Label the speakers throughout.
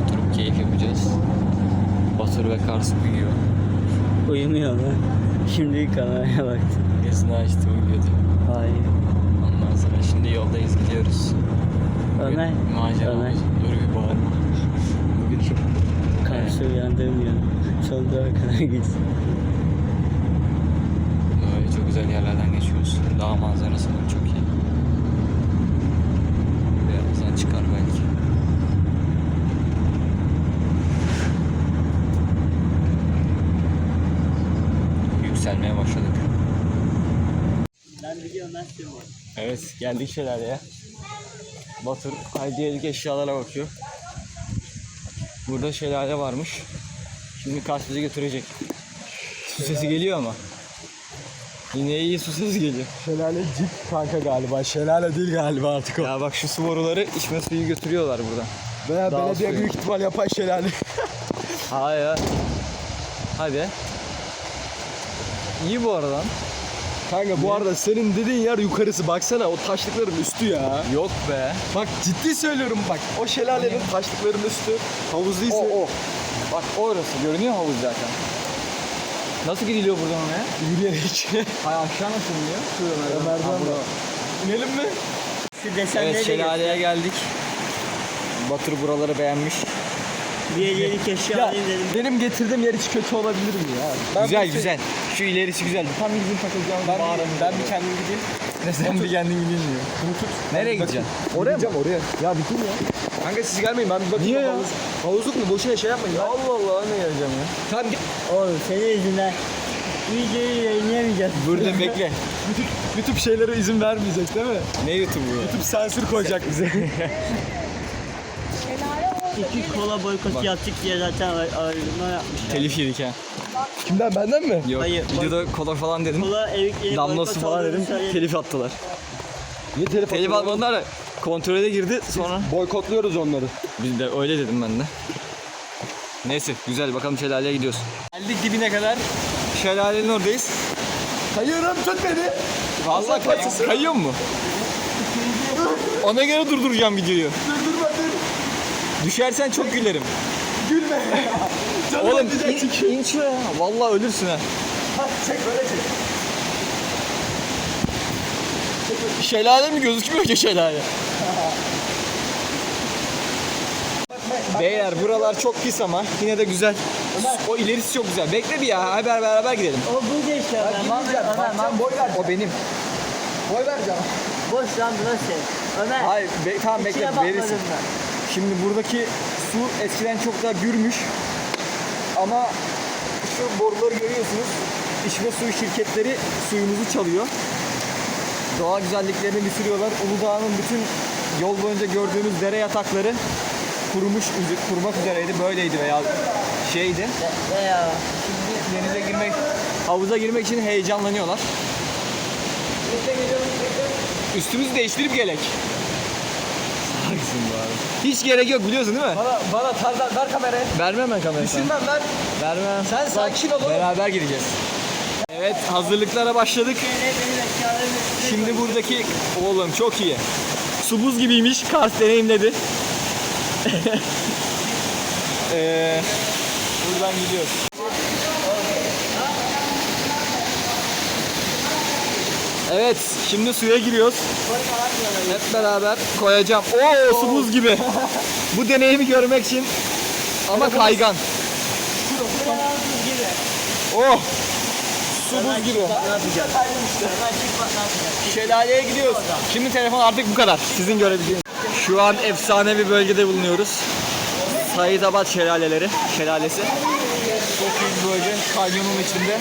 Speaker 1: oturup keyif yapacağız. Batur ve Kars uyuyor.
Speaker 2: Uyumuyor lan. Şimdi kameraya baktım.
Speaker 1: Gözünü açtı, uyuyordu.
Speaker 2: Hayır.
Speaker 1: Ondan sonra şimdi yoldayız, gidiyoruz.
Speaker 2: Ömer.
Speaker 1: Macera.
Speaker 2: Ömer.
Speaker 1: Dur bir bağırma. Bugün çok...
Speaker 2: Kars'ı uyandırmıyor. Son durağa kadar gitsin.
Speaker 1: Böyle çok güzel yerlerden geçiyoruz. Dağ manzarası da çok iyi. Birazdan çıkar belki. Yükselmeye başladık.
Speaker 2: Ben biliyorum ben söylüyorum.
Speaker 1: Evet, geldik şelaleye. Batur hediyelik eşyalara bakıyor. Burada şelale varmış. Şimdi Kars bizi götürecek. Su sesi geliyor ama. Yine iyi su sesi geliyor.
Speaker 3: Şelale cip kanka galiba. Şelale değil galiba artık o.
Speaker 1: Ya bak şu su boruları içme suyu götürüyorlar buradan.
Speaker 3: Veya
Speaker 1: Dağ
Speaker 3: belediye
Speaker 1: suyu.
Speaker 3: büyük ihtimal yapay şelale.
Speaker 1: Hayır. Hadi. İyi bu arada.
Speaker 3: Kanka bu arada senin dediğin yer yukarısı. Baksana o taşlıkların üstü ya.
Speaker 1: Yok be.
Speaker 3: Bak ciddi söylüyorum bak. O şelalenin taşlıkların üstü. Havuz değilse.
Speaker 1: O. Bak orası görünüyor havuz zaten. Nasıl gidiliyor buradan oraya?
Speaker 3: Yürüyerek.
Speaker 1: Hay aşağı nasıl iniyor? Şurada
Speaker 3: Merdiven var. İnelim mi?
Speaker 2: Şu desenleri
Speaker 1: Evet,
Speaker 2: de
Speaker 1: şelaleye geldik. Batur buraları beğenmiş.
Speaker 2: bir hediyelik eşya
Speaker 3: Ya
Speaker 2: alayım dedim.
Speaker 3: benim getirdiğim yer hiç kötü olabilir mi ya? Ben
Speaker 1: Güzel
Speaker 3: bir-
Speaker 1: güzel. Şu ilerisi güzel. Tam bizim takılacağımız
Speaker 3: Ben bir kendim gideyim.
Speaker 1: Sen bir kendin gidilmiyor. Nereye gideceksin?
Speaker 3: Oraya mı? Oraya. Ya bitir ya. Kanka siz gelmeyin ben bir bakayım.
Speaker 1: Niye ya?
Speaker 3: Havuzluk mu? Boşuna şey yapmayın. Ya.
Speaker 1: Allah Allah ne geleceğim ya.
Speaker 3: Tamam git.
Speaker 2: Oğlum senin yüzünden videoyu yayınlayamayacağız.
Speaker 1: Burada bekle.
Speaker 3: YouTube şeylere izin vermeyecek değil mi?
Speaker 1: Ne YouTube'u ya?
Speaker 3: YouTube sansür koyacak bize.
Speaker 2: İki kola boykotu yaptık diye zaten ayrılma yapmışlar.
Speaker 1: Telif yedik ha.
Speaker 3: Kimden benden mi?
Speaker 1: Yok.
Speaker 2: Hayır,
Speaker 1: Videoda kola falan dedim.
Speaker 2: Kola evikleri
Speaker 1: Damlası falan dedim. Telif attılar.
Speaker 3: Niye telefon?
Speaker 1: Telif atmadılar da kontrole girdi sonra.
Speaker 3: Boykotluyoruz onları.
Speaker 1: Biz de öyle dedim ben de. Neyse güzel bakalım şelaleye gidiyoruz. Geldik dibine kadar. Şelalenin oradayız.
Speaker 3: Kayıyorum tut beni.
Speaker 1: Vallahi kayıyor mu? Ona göre durduracağım videoyu.
Speaker 3: Durdurma dur.
Speaker 1: Düşersen çok gülerim.
Speaker 3: Gülme. Canım
Speaker 1: Oğlum
Speaker 3: acıyacak.
Speaker 1: in şuraya. Vallahi ölürsün ha.
Speaker 3: Hadi çek böyle çek.
Speaker 1: Şelale mi gözükmüyor ki şelale? Beyler buralar çok pis ama yine de güzel. O ilerisi çok güzel. Bekle bir ya. Hadi beraber gidelim.
Speaker 2: O bu işte Ömer. Ömer
Speaker 3: Boy ver.
Speaker 1: O benim.
Speaker 3: Boy vereceğim.
Speaker 2: boş lan burası. Ömer.
Speaker 1: Hayır tamam bekle
Speaker 2: İçine bakmadım
Speaker 1: verirsin.
Speaker 2: ben.
Speaker 1: Şimdi buradaki su eskiden çok daha gürmüş. Ama şu boruları görüyorsunuz. İçme suyu şirketleri suyumuzu çalıyor. Doğa güzelliklerini bitiriyorlar. Uludağ'ın bütün yol boyunca gördüğünüz dere yatakları kurumak üzereydi. Böyleydi veya şeydi.
Speaker 2: Ya.
Speaker 1: Şimdi havuza girmek için heyecanlanıyorlar. Üstümüzü değiştirip gelek. Haklısın bu abi. Hiç gerek yok biliyorsun değil mi?
Speaker 3: Bana tarzan ver kamerayı.
Speaker 1: Vermem ben kamerayı sana.
Speaker 3: Düşünmem ben.
Speaker 1: Vermem.
Speaker 3: Sen sakin ol oğlum.
Speaker 1: Beraber gideceğiz. Evet hazırlıklara başladık. Şimdi buradaki oğlum çok iyi. Su buz gibiymiş. Kars deneyimledi. Buradan gidiyoruz. Evet şimdi suya giriyoruz. Hep beraber koyacağım. Oo su buz gibi. Bu deneyimi görmek için ama kaygan. Oh! Su buz gibi.
Speaker 2: Ne yapacağız? Ömer çık bak ne yapacağız?
Speaker 1: Şelaleye gidiyoruz. Şimdi telefon artık bu kadar. Sizin görebileceğiniz. Şu an efsane bir bölgede bulunuyoruz. Saidabad şelalesi. Çok iyi bir bölge. Kanyonun içinde.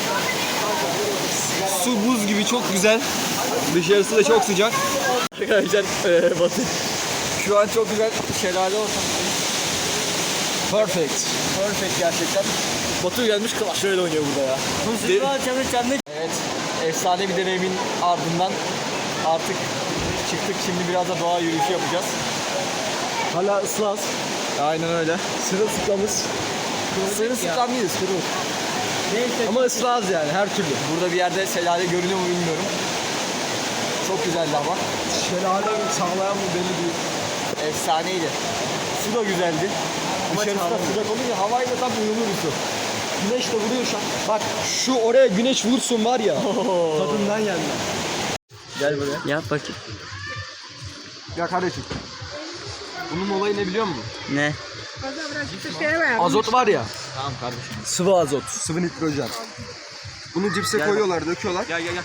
Speaker 1: Su buz gibi çok güzel. Dışarısı da çok sıcak. Arkadaşlar Batı. Şu an çok güzel şelale ortamı. Perfect. Perfect gerçekten. Batu gelmiş Clash Royale oynuyor burada ya.
Speaker 2: Mustafa çamur.
Speaker 1: Evet, efsane bir deneyimin ardından artık çıktık. Şimdi biraz da doğa yürüyüşü yapacağız.
Speaker 3: Hala ıslaz.
Speaker 1: Aynen öyle.
Speaker 3: Sırılsıklamız.
Speaker 1: Sırılsıklam değiliz, kırıl.
Speaker 3: Ama ıslaz yani her türlü.
Speaker 1: Burada bir yerde şelale görünüyor mu bilmiyorum. Çok güzeldi ama.
Speaker 3: Şelale sağlayan mı belli değil.
Speaker 1: Efsaneydi. Su da güzeldi.
Speaker 3: Dışarısı da sıcak olunca havayla tam uyumlu bir su. Güneş de vuruyor şu an. Bak şu oraya güneş vursun var ya. Tadından yenmez. Gel buraya.
Speaker 2: Yap bakayım.
Speaker 3: Ya kardeşim. Bunun olayı ne biliyor musun?
Speaker 2: Ne?
Speaker 3: Azot var ya.
Speaker 1: Tamam kardeşim.
Speaker 3: Sıvı azot, sıvı nitrojen. Bunu cipse koyuyorlar, döküyorlar.
Speaker 1: Gel gel gel.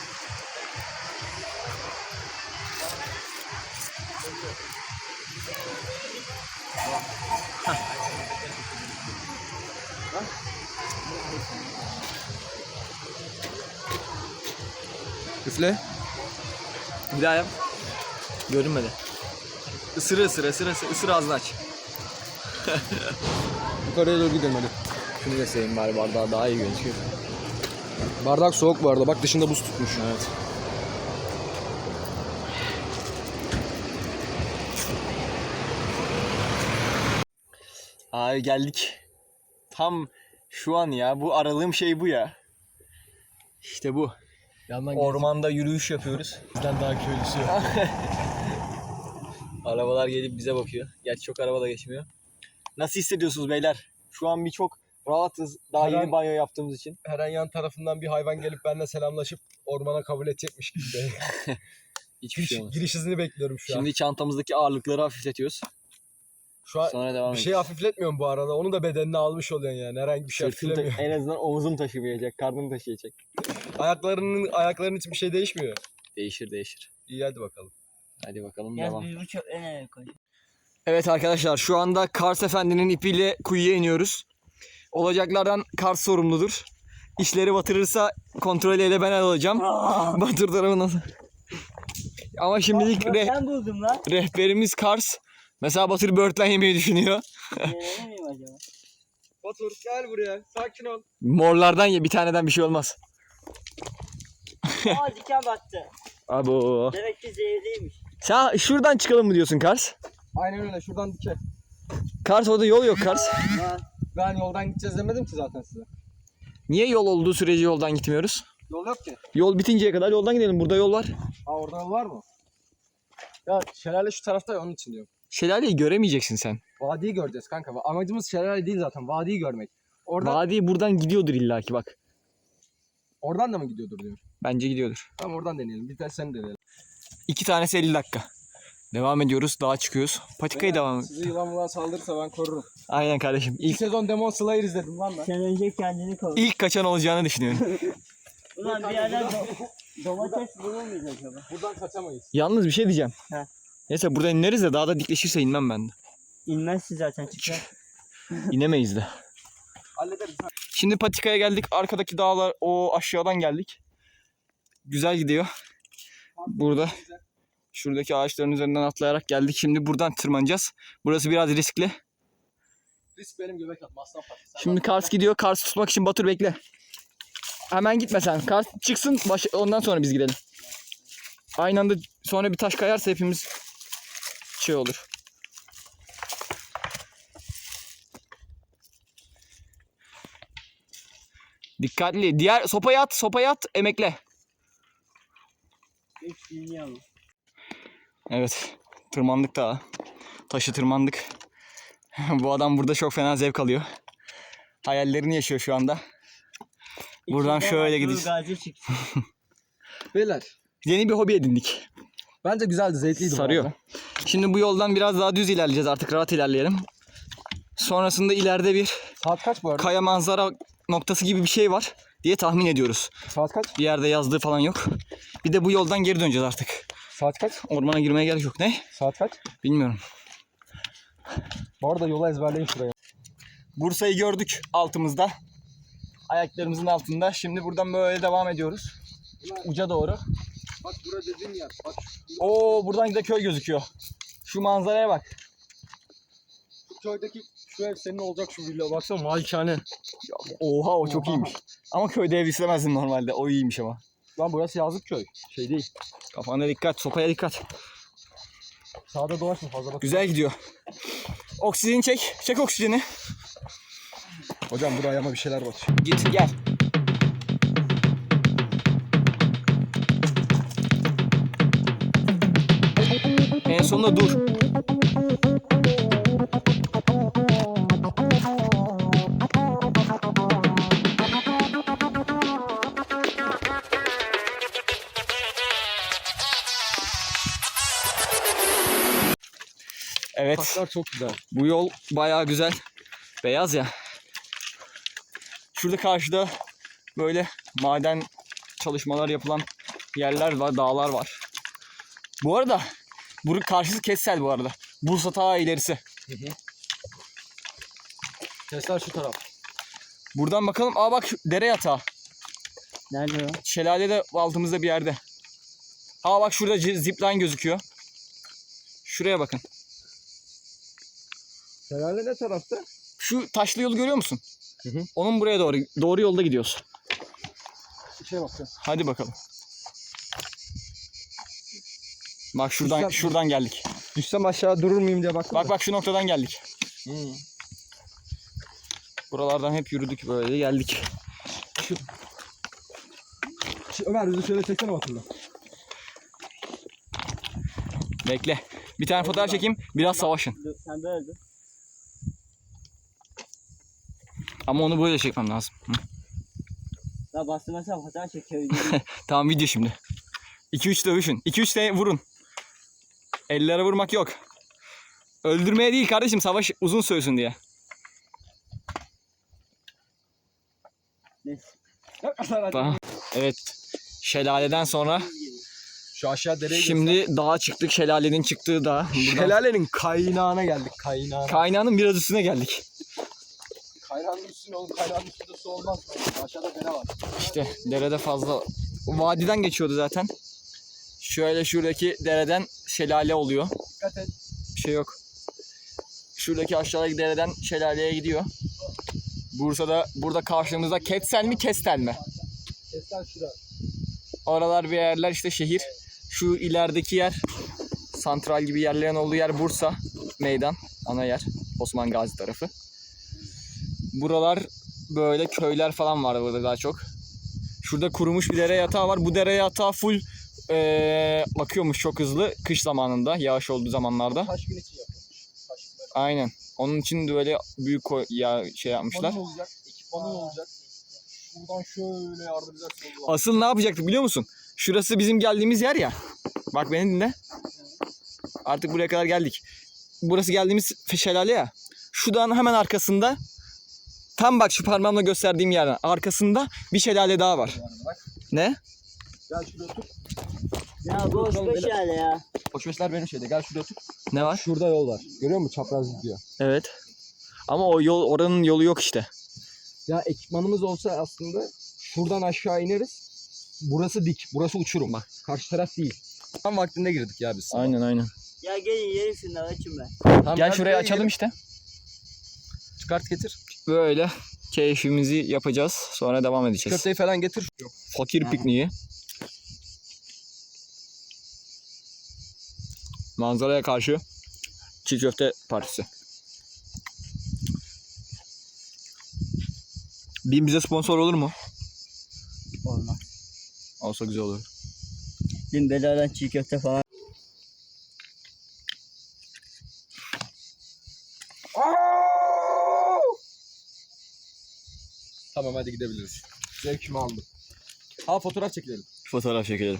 Speaker 3: Üfle.
Speaker 1: Bir daha yap. Görünmedi. Isırı ısırı ısırı ısırı, ısırı ağzını aç.
Speaker 3: Yukarıya doğru gidelim hadi.
Speaker 1: Şunu da seveyim bari, bardağı daha iyi gözüküyor.
Speaker 3: Bardak soğuk bu arada. Bak dışında buz tutmuş.
Speaker 1: Evet. Abi geldik. Tam şu an ya. Bu aradığım şey bu ya. İşte bu.
Speaker 3: Yandan
Speaker 1: Ormanda yürüyüş yapıyoruz.
Speaker 3: bizden daha köylüsü yok.
Speaker 1: Arabalar gelip bize bakıyor. Gerçi çok araba da geçmiyor. Nasıl hissediyorsunuz beyler? Şu an bir çok rahatız. Daha
Speaker 3: Her an-
Speaker 1: yeni banyo yaptığımız için.
Speaker 3: Her an yan tarafından bir hayvan gelip benimle selamlaşıp ormana kabul edecekmiş gibi.
Speaker 1: Hiçbir şey olmaz.
Speaker 3: Giriş hızını bekliyorum şu an.
Speaker 1: Şimdi çantamızdaki ağırlıkları hafifletiyoruz.
Speaker 3: Şu an
Speaker 1: Sonra devam
Speaker 3: bir
Speaker 1: edeceğiz.
Speaker 3: şey hafifletmiyorum bu arada. Onu da bedenine almış oluyorsun yani. Herhangi bir şey
Speaker 1: Sırtım
Speaker 3: hafiflemiyor.
Speaker 1: en azından omuzum taşımayacak, karnım taşıyacak.
Speaker 3: Ayakların için bir şey değişmiyor.
Speaker 1: Değişir değişir.
Speaker 3: İyi hadi bakalım.
Speaker 1: Hadi bakalım
Speaker 2: Yaz
Speaker 1: devam.
Speaker 2: bir buçuk nereye koy?
Speaker 1: Evet arkadaşlar, şu anda Kars Efendi'nin ipiyle kuyuya iniyoruz. Olacaklardan Kars sorumludur. İşleri batırırsa kontrolü de ben alacağım. Batır tarafı nasıl? Ama şimdilik
Speaker 2: Ben buldum lan.
Speaker 1: rehberimiz Kars. Mesela Batır böğürtlen yemeyi düşünüyor.
Speaker 2: Deneyemem miyim acaba?
Speaker 3: Batur gel buraya. Sakin ol.
Speaker 1: Morlardan ye, bir taneden bir şey olmaz.
Speaker 2: Aa diken battı.
Speaker 1: Abo.
Speaker 2: Demek ki zehirliymiş.
Speaker 1: Sen şuradan çıkalım mı diyorsun Kars?
Speaker 3: Aynen öyle. Şuradan dike.
Speaker 1: Kars, orada yol yok Kars.
Speaker 2: Lan
Speaker 3: Ben yoldan gideceğiz demedim ki zaten size.
Speaker 1: Niye yol olduğu sürece yoldan gitmiyoruz?
Speaker 3: Yol yok ki.
Speaker 1: Yol bitinceye kadar yoldan gidelim. Burada yol var.
Speaker 3: Ha orada yol var mı? Ya şelale şu tarafta ya onun için diyorum.
Speaker 1: Şelaleyi göremeyeceksin sen.
Speaker 3: Vadiyi göreceğiz kanka. Amacımız şelale değil zaten. Vadiyi görmek. Oradan,
Speaker 1: Vadi buradan gidiyordur illaki bak.
Speaker 3: oradan da mı gidiyordur diyor.
Speaker 1: Bence gidiyordur.
Speaker 3: Tamam oradan deneyelim. Bir de sen deneyelim.
Speaker 1: 2 tanesi 50 dakika. Devam ediyoruz. Dağa çıkıyoruz. Patikayı devam et.
Speaker 3: Sizi yılan mulan saldırırsa ben korurum.
Speaker 1: Aynen kardeşim.
Speaker 3: İlk sezon Demon Slayer izledim lan ben.
Speaker 2: sen önce kendini koy.
Speaker 1: İlk kaçan olacağını düşünüyorum.
Speaker 2: Ulan bir yerden domates bulur muyuz acaba?
Speaker 3: Buradan kaçamayız.
Speaker 1: Yalnız bir şey diyeceğim.
Speaker 2: Heh.
Speaker 1: Neyse burada ineriz de dağda dikleşirse inmem ben de.
Speaker 2: İnmezsin zaten çıkar.
Speaker 1: İnemeyiz de.
Speaker 3: Hallederiz.
Speaker 1: Şimdi patikaya geldik. Arkadaki dağlar o aşağıdan geldik. Güzel gidiyor. Burada şuradaki ağaçların üzerinden atlayarak geldik. Şimdi buradan tırmanacağız. Burası biraz riskli.
Speaker 3: Risk benim göbek atma. Aslan parçası. Sen
Speaker 1: Şimdi Kars gidiyor. Kars tutmak için Batur bekle. Hemen gitme sen. Kars çıksın. Ondan sonra biz gidelim. Aynı anda sonra bir taş kayarsa hepimiz şey olur. Dikkatli. Diğer sopayı at, emekle.
Speaker 2: Hiç bilmiyorum.
Speaker 1: Evet. Tırmandık daha. Taşı tırmandık. Bu adam burada çok fena zevk alıyor. Hayallerini yaşıyor şu anda. Buradan şöyle gideceğiz.
Speaker 2: Gazi çıktı.
Speaker 3: Beyler.
Speaker 1: Yeni bir hobi edindik.
Speaker 3: Bence güzeldi. Zevkliydi. bu
Speaker 1: Sarıyor.
Speaker 3: arada.
Speaker 1: Şimdi bu yoldan biraz daha düz ilerleyeceğiz, artık rahat ilerleyelim. Sonrasında ileride bir
Speaker 3: Saat kaç bu arada?
Speaker 1: kaya manzara noktası gibi bir şey var diye tahmin ediyoruz.
Speaker 3: Saat kaç?
Speaker 1: Bir yerde yazdığı falan yok. Bir de bu yoldan geri döneceğiz artık.
Speaker 3: Saat kaç?
Speaker 1: Ormana girmeye gerek yok. Ne?
Speaker 3: Saat kaç?
Speaker 1: Bilmiyorum.
Speaker 3: Bu arada yola ezberleyin şuraya.
Speaker 1: Bursa'yı gördük altımızda. Ayaklarımızın altında. Şimdi buradan böyle devam ediyoruz. Uca doğru.
Speaker 3: Bak bura dediğin yer. Bak
Speaker 1: Oo, buradan da köy gözüküyor. Şu manzaraya bak.
Speaker 3: şu köydeki şu ev senin olacak şu villa. Baksana malikane.
Speaker 1: Oha, o çok iyiymiş. Ama köyde ev istemezdim normalde. O iyiymiş ama.
Speaker 3: Lan burası yazlık köy. Şey değil.
Speaker 1: Kafana dikkat, sopaya dikkat.
Speaker 3: Sağda dolaşma fazla bak.
Speaker 1: Güzel gidiyor. Oksijeni çek. Çek oksijeni.
Speaker 3: Hocam buraya ama bir şeyler bak.
Speaker 1: Git gel. En sonunda dur.
Speaker 3: Sokaklar çok güzel.
Speaker 1: Bu yol bayağı güzel. Beyaz ya. Şurada karşıda böyle maden çalışmalar yapılan yerler var, dağlar var. Bu arada bunun karşısı Ketsel bu arada. Bursa ta ilerisi.
Speaker 3: Tesla şu taraf.
Speaker 1: Buradan bakalım. Aa bak şu dere yatağı.
Speaker 2: Nerede o?
Speaker 1: Şelale de altımızda bir yerde. Aa bak şurada zipline gözüküyor. Şuraya bakın.
Speaker 3: Şelale ne tarafta?
Speaker 1: Şu taşlı yolu görüyor musun?
Speaker 3: Hı hı.
Speaker 1: Onun buraya doğru yolda gidiyoruz.
Speaker 3: İçine bakın.
Speaker 1: Hadi bakalım. Bak şuradan geldik.
Speaker 3: Düşsem aşağı durur muyum diye baktım.
Speaker 1: Bak şu noktadan geldik. Buralardan hep yürüdük böyle geldik.
Speaker 3: Ömer bizi şöyle çeksene hatırla.
Speaker 1: Bekle. Bir tane fotoğraf çekeyim. Biraz savaşın.
Speaker 2: Sen böyle dur.
Speaker 1: Ama onu böyle çekmem lazım. Hı.
Speaker 2: Ya bastırmasam fotoğraf çekiyor.
Speaker 1: Tamam video şimdi. 2-3 dövüşün. 2-3 de vurun. Ellere vurmak yok. Öldürmeye değil kardeşim, savaş uzun sürsün diye.
Speaker 2: Neyse.
Speaker 1: Tamam. Evet. Şelaleden sonra
Speaker 3: Şu aşağı dereye
Speaker 1: şimdi dağa çıktık. Şelalenin çıktığı dağ. Buradan
Speaker 3: Şelalenin kaynağına geldik.
Speaker 1: kaynağının biraz üstüne geldik.
Speaker 3: Kaynağın üstüne oğlum. Kaynağın üstünde su olmaz. Aşağıda dere var.
Speaker 1: İşte derede fazla vadiden geçiyordu zaten. Şöyle şuradaki dereden şelale oluyor.
Speaker 3: Dikkat et.
Speaker 1: Bir şey yok. Şuradaki aşağıdaki dereden şelaleye gidiyor. Burada karşımızda Ketsel mi Kestel mi?
Speaker 3: Tesla şurada.
Speaker 1: Oralar bir yerler işte şehir. Şu ilerideki yer santral gibi yerlerin olduğu yer Bursa meydan ana yer Osman Gazi tarafı. Buralar böyle köyler falan var burada daha çok. Şurada kurumuş bir dere yatağı var. Bu dere yatağı full akıyormuş çok hızlı kış zamanında, yağış olduğu zamanlarda.
Speaker 3: Taş gün için yapılmış.
Speaker 1: Aynen. Onun için de öyle büyük şey yapmışlar.
Speaker 3: Ekipmanın olacak. Ekipmanın olacak. Buradan şöyle yardıracaksın.
Speaker 1: Asıl ne yapacaktık biliyor musun? Şurası bizim geldiğimiz yer ya. Bak beni dinle. Artık buraya kadar geldik. Burası geldiğimiz şelale ya. Şu dağın hemen arkasında, tam bak şu parmağımla gösterdiğim yerden arkasında bir şelale daha var. Ne?
Speaker 3: Gel şuraya otur.
Speaker 2: Ya boş boş yani ya.
Speaker 3: Koçmeşler benim şeyde. Gel şuraya otur.
Speaker 1: Ne var?
Speaker 3: Şurada yol var. Görüyor musun? Çapraz gidiyor.
Speaker 1: Evet. Ama o yol, oranın yolu yok işte.
Speaker 3: Ya ekipmanımız olsa aslında şuradan aşağı ineriz. Burası dik. Burası uçurum bak. Karşı taraf değil. Tam vaktinde girdik ya biz.
Speaker 1: Aynen.
Speaker 2: Ya gelin yerim şunları açın ben.
Speaker 3: Tamam,
Speaker 1: Gel şuraya açalım işte.
Speaker 3: Çıkart getir.
Speaker 1: Böyle keyfimizi yapacağız. Sonra devam edeceğiz.
Speaker 3: Köfteyi falan getir.
Speaker 1: Fakir pikniği. Manzaraya karşı çiğ köfte partisi. BİM bize sponsor olur mu?
Speaker 2: Olmaz.
Speaker 1: Olsa güzel olur.
Speaker 2: Dün beladan çiğ köfte falan.
Speaker 3: Tamam hadi gidebiliriz. Zevkimi aldım. Ha fotoğraf çekelim.
Speaker 1: Fotoğraf çekelim.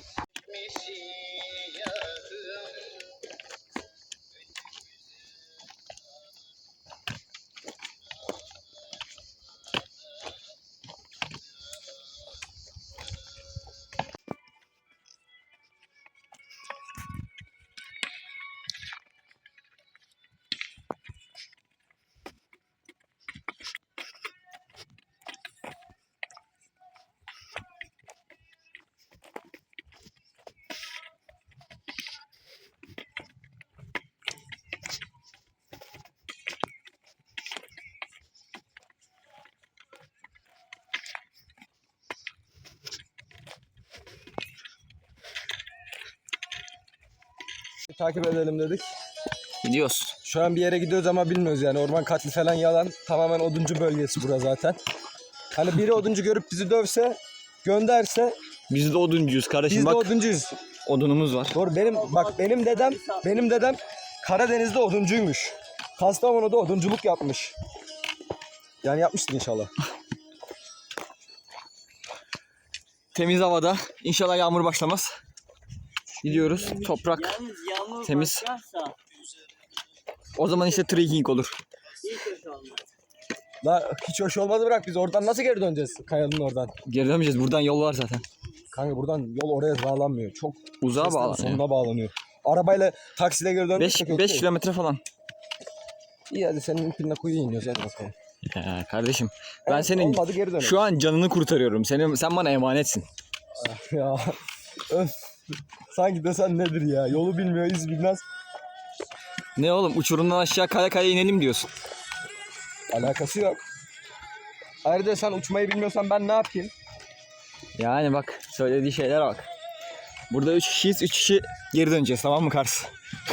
Speaker 3: Takip edelim dedik.
Speaker 1: Gidiyoruz.
Speaker 3: Şu an bir yere gidiyoruz ama bilmiyoruz yani. Orman katli falan yalan. Tamamen oduncu bölgesi bura zaten. Hani biri oduncu görüp bizi dövse, gönderse
Speaker 1: Biz de oduncuyuz kardeşim.
Speaker 3: biz de
Speaker 1: Bak
Speaker 3: oduncuyuz.
Speaker 1: odunumuz var.
Speaker 3: Doğru benim dedem Karadeniz'de oduncuymuş. Kastamonu'da odunculuk yapmış. Yani yapmıştır inşallah.
Speaker 1: Temiz havada. İnşallah yağmur başlamaz. Gidiyoruz. Toprak
Speaker 2: Yalnız yağmur
Speaker 1: temiz.
Speaker 2: başlarsa
Speaker 1: O zaman işte trekking olur.
Speaker 2: İyi kötü olmaz.
Speaker 3: La hiç hoş olmadı, bırak, biz oradan nasıl geri döneceğiz kayanın oradan?
Speaker 1: Geri dönmeyeceğiz. Buradan yol var zaten.
Speaker 3: Kanka buradan yol oraya bağlanmıyor. Çok
Speaker 1: Uzağa
Speaker 3: Seslerin
Speaker 1: bağlanıyor.
Speaker 3: sonuna bağlanıyor. Arabayla taksiyle geri döndük.
Speaker 1: 5 kilometre falan.
Speaker 3: İyi hadi senin ipinle kuyuya iniyoruz, hadi bakalım.
Speaker 1: Ya kardeşim ben
Speaker 3: Evet,
Speaker 1: senin
Speaker 3: olmadı, geri dönelim.
Speaker 1: şu an canını kurtarıyorum. Sen bana emanetsin.
Speaker 3: Ya öf. Sanki desen nedir ya? Yolu bilmiyor, iz bilmez.
Speaker 1: Ne oğlum uçurumdan aşağı kaya kaya inelim diyorsun.
Speaker 3: Alakası yok. Ayrıca sen uçmayı bilmiyorsan ben ne yapayım?
Speaker 1: Yani bak söylediği şeylere bak. Burada 3 kişiyiz. 3 kişi geri döneceğiz, tamam mı Kars?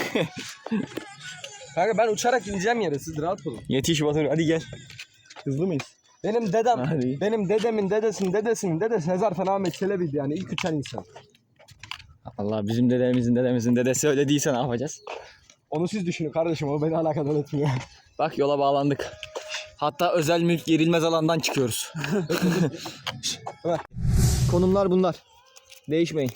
Speaker 3: Kanka ben uçarak ineceğim yere, siz rahat olun.
Speaker 1: Yetiş Batur, hadi gel. Hızlı mıyız?
Speaker 3: Benim dedem,
Speaker 1: Hadi.
Speaker 3: benim dedemin dedesinin dedesi Hezarfen Ahmet Çelebi'ydi yani, ilk uçan insan.
Speaker 1: Allah bizim dedemizin dedesi öyle değilse ne yapacağız?
Speaker 3: Onu siz düşünün kardeşim, o beni alakadar etmiyor.
Speaker 1: Bak yola bağlandık. Hatta özel mülk gerilmez alandan çıkıyoruz. Konumlar bunlar. Değişmeyin.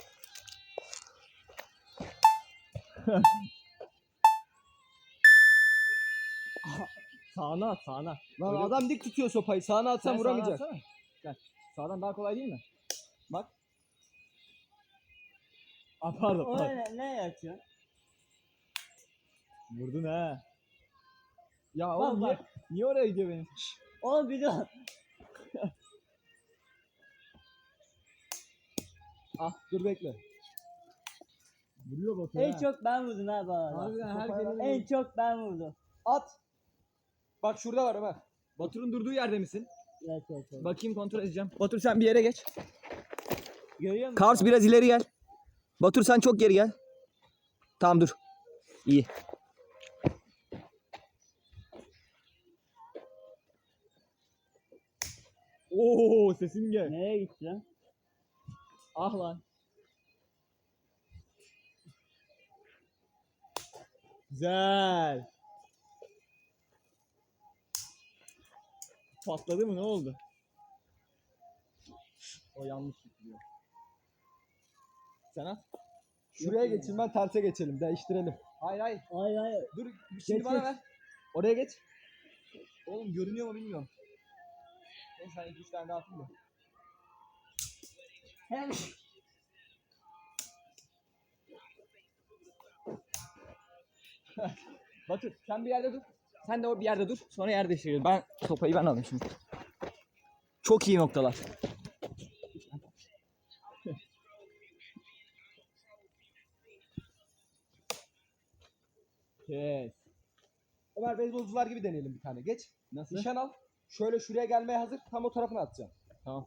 Speaker 1: Sağına at, sağına.
Speaker 3: Lan adam dik tutuyor sopayı, sağına atsan vuramayacak.
Speaker 1: Gel. Sağdan daha kolay değil mi? Bak. Aa, pardon.
Speaker 2: O ne yapıyor?
Speaker 1: Vurdun ha. Ya
Speaker 2: Bak,
Speaker 1: oğlum
Speaker 2: bak.
Speaker 1: niye oraya gidiyor benim?
Speaker 2: Oğlum bir dur.
Speaker 3: Ah dur bekle.
Speaker 1: Vuruyor bak
Speaker 2: En çok ben vurdum ha bana.
Speaker 1: Harbiden herkesin
Speaker 2: En çok ben vurdum.
Speaker 3: At. Bak şurada var Ömer.
Speaker 1: Batur'un durduğu yerde misin?
Speaker 2: Evet.
Speaker 1: Bakayım kontrol edeceğim. Batur sen bir yere geç.
Speaker 2: Görüyor musun?
Speaker 1: Kars biraz ileri gel. Batur sen çok geri gel. Tamam dur. İyi. Oo sesin gel.
Speaker 2: Nereye gitti lan?
Speaker 1: Ah lan. Güzel. Patladı mı, ne oldu? O yanlış gidiyor. Sen at.
Speaker 3: Şuraya geçin, ben terse geçelim, değiştirelim.
Speaker 1: Hayır hayır.
Speaker 2: Hayır.
Speaker 3: Dur şimdi
Speaker 2: Geç,
Speaker 3: bana
Speaker 2: geç.
Speaker 3: ver. Oraya geç. Oğlum görünüyor mu bilmiyorum. Neyse sen 2-3 tane daha atayım da.
Speaker 2: Hem
Speaker 1: Batur sen bir yerde dur. Sen de o bir yerde dur. Sonra yer değiştiriyoruz. Ben sopayı ben alayım şimdi. Çok iyi noktalar. Yes.
Speaker 3: Ömer beyzbolcular gibi deneyelim bir tane. Geç.
Speaker 1: Nasıl?
Speaker 3: Nişan al. Şöyle şuraya gelmeye hazır. Tam o tarafına atacağım.
Speaker 1: Tamam.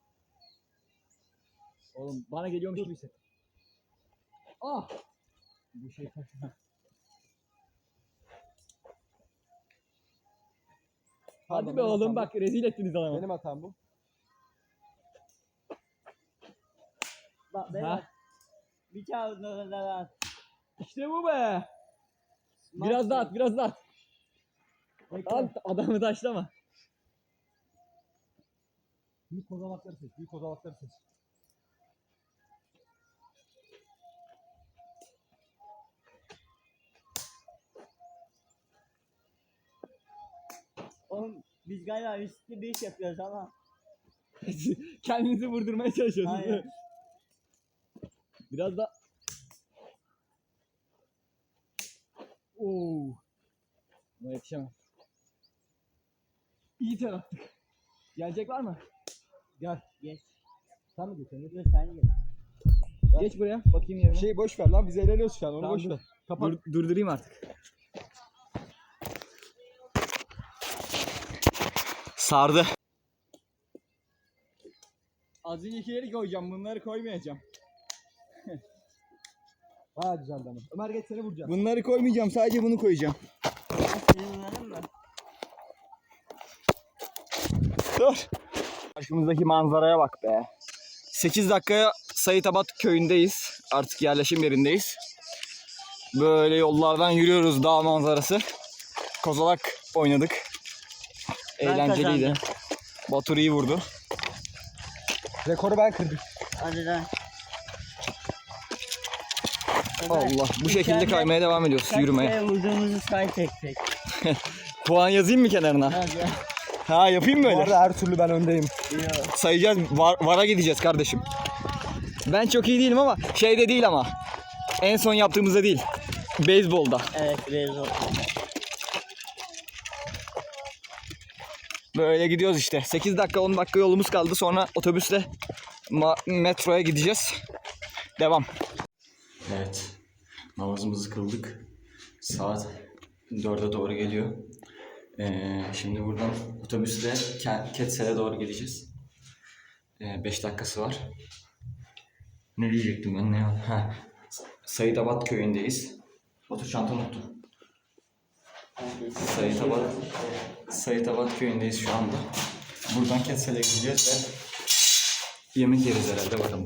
Speaker 1: Oğlum bana geliyormuş gibi hisset. Ah! Bu şey kaçma. Hadi
Speaker 3: Pardon,
Speaker 1: be
Speaker 3: benim
Speaker 1: oğlum
Speaker 3: hatam
Speaker 1: bak rezil ettiniz adamı.
Speaker 3: Benim hatam bu.
Speaker 2: bak ben
Speaker 1: Ha?
Speaker 2: bak. Bir kağıdın orada var.
Speaker 1: İşte bu be. Biraz daha at, biraz daha at. Al adamı taşlama.
Speaker 3: Büyük kozalakları seç. Büyük kozalakları seç.
Speaker 2: Oğlum biz galiba riskli bir iş yapıyoruz ama.
Speaker 1: Kendinizi vurdurmaya çalışıyorsunuz.
Speaker 2: Aynen.
Speaker 1: değil mi? Biraz da. Oo. Buna yetişemem. İyi ter attık. Gelecek var mı?
Speaker 3: Gel.
Speaker 2: Geç.
Speaker 3: Sen mi geçen?
Speaker 2: Dur sen geç.
Speaker 1: Geç buraya. Bakayım yerine.
Speaker 3: Şeyi boş ver lan. Biz eğleniyoruz şu an. Onu
Speaker 1: Tamam,
Speaker 3: boş
Speaker 1: dur.
Speaker 3: ver. Kapat.
Speaker 1: Durdurayım artık. Sardı. Az öncekileri koyacağım. Bunları koymayacağım.
Speaker 3: Bayağı güzel ama. Ömer geç, seni vuracağım.
Speaker 1: Bunları koymayacağım. Sadece bunu koyacağım.
Speaker 2: Ben seni vuralım mı?
Speaker 1: Dur. Karşımızdaki manzaraya bak be. 8 dakikaya Sayıtabat köyündeyiz. Artık yerleşim yerindeyiz. Böyle yollardan yürüyoruz, dağ manzarası. Kozalak oynadık.
Speaker 2: Ben
Speaker 1: Eğlenceliydi.
Speaker 2: kazandım.
Speaker 1: Batur iyi vurdu.
Speaker 3: Rekoru ben kırdım.
Speaker 2: Hadi lan.
Speaker 1: Allah. Bu şekilde kaymaya devam ediyoruz. Yürümeye.
Speaker 2: Kaç kere vurduğumuzu say tek tek.
Speaker 1: Puan yazayım mı kenarına? Ha yapayım mı
Speaker 3: Bu
Speaker 1: öyle?
Speaker 3: arada her türlü ben öndeyim.
Speaker 1: Sayacağız. Vara gideceğiz kardeşim. Ben çok iyi değilim ama şeyde değil ama. En son yaptığımızda değil. Beyzbolda.
Speaker 2: Evet biraz oldu.
Speaker 1: Böyle gidiyoruz işte. 8 dakika 10 dakika yolumuz kaldı. Sonra otobüsle metroya gideceğiz. Devam. Evet. Namazımızı kıldık. Saat 4'e doğru geliyor. Şimdi buradan otobüsle Ketsel'e doğru gideceğiz. 5 dakikası var. Ne diyecektim ben? Ha. Sayidabat köyündeyiz. Otur çantamı unuttum. Sayidabat köyündeyiz şu anda. Buradan Ketsel'e gideceğiz ve yemek yeriz herhalde, bakalım.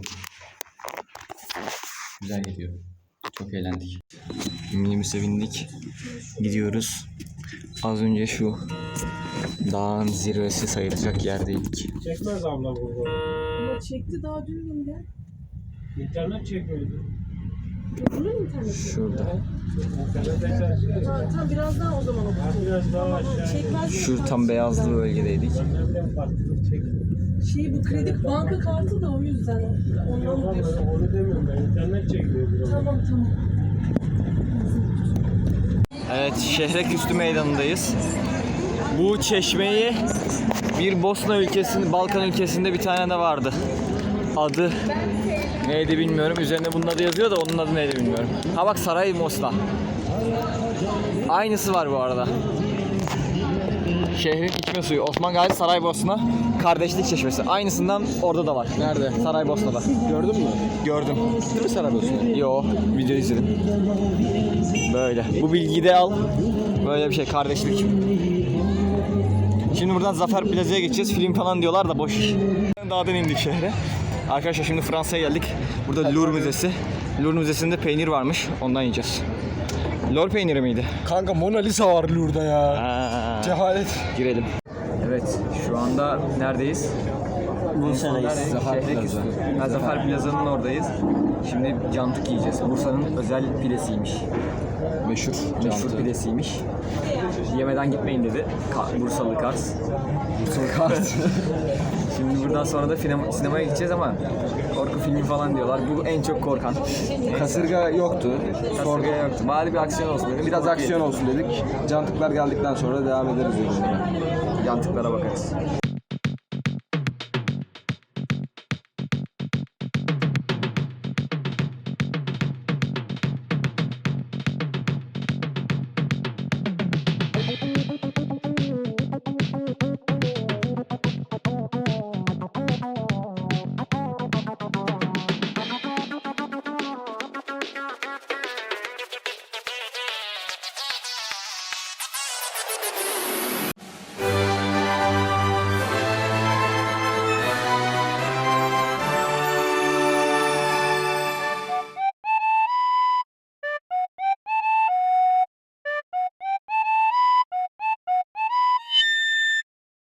Speaker 1: Güzel gidiyor. Çok eğlendik. Minibüse bindik. Gidiyoruz. Az önce şu dağın zirvesi sayılacak yerdeydik.
Speaker 4: Çekmez abla burada.
Speaker 5: Ama çekti daha dün mü?
Speaker 4: İnternet çekmiyordu.
Speaker 5: Bunun mu interneti?
Speaker 1: Şurada.
Speaker 4: İnternette çalışıyor.
Speaker 5: Ha, tamam biraz daha o zaman okutayım.
Speaker 4: Biraz daha aşağı.
Speaker 5: Çekmez mi?
Speaker 1: Şu tam beyazlı bölgedeydik.
Speaker 4: Nereden farklılık çekiyor?
Speaker 5: Bu kredi banka kartı da o yüzden. Ondan mı diyorsun?
Speaker 4: Onu demiyorum ben. İnternet çekiyor biraz.
Speaker 5: Tamam.
Speaker 1: Evet, Şehreküstü meydanındayız. Bu çeşmeyi bir Bosna ülkesinde, Balkan ülkesinde bir tane de vardı. Adı neydi bilmiyorum. Üzerinde bunun adı yazıyor da onun adı neydi bilmiyorum. Ha bak, Saraybosna. Aynısı var bu arada. Şehrin içme suyu. Osman Gazi Saraybosna Kardeşlik Çeşmesi. Aynısından orada da var. Nerede? Saraybosna'da.
Speaker 3: Gördün mü?
Speaker 1: Gördüm.
Speaker 3: Değil mi Saraybosna?
Speaker 1: Yo, video izledim. Böyle. Bu bilgiyi de al. Böyle bir şey, kardeşlik. Şimdi buradan Zafer Plaza'ya geçeceğiz. Film falan diyorlar da boş. Dağdan indik şehre. Arkadaşlar şimdi Fransa'ya geldik. Burada Louvre Müzesi. Louvre Müzesi'nde peynir varmış. Ondan yiyeceğiz. Lor peyniri miydi?
Speaker 3: Kanka Mona Lisa var Louvre'da ya. Cehalet.
Speaker 1: Girelim. Evet, şu anda neredeyiz?
Speaker 2: Bursa'dayız.
Speaker 1: Zafer Plaza'nın oradayız. Şimdi cantık yiyeceğiz. Bursa'nın özel pidesiymiş. Meşhur pidesiymiş. Yemeden gitmeyin dedi. Bursalı Kars. Şimdi buradan sonra da sinemaya gideceğiz ama korku filmi falan diyorlar. Bu en çok korkan.
Speaker 3: Kasırga yoktu.
Speaker 1: Sorguya yoktu. Bari bir aksiyon olsun dedim.
Speaker 3: Biraz aksiyon olsun dedik. Cantıklar geldikten sonra devam ederiz yolumuza.
Speaker 1: Yantıklara bakarız.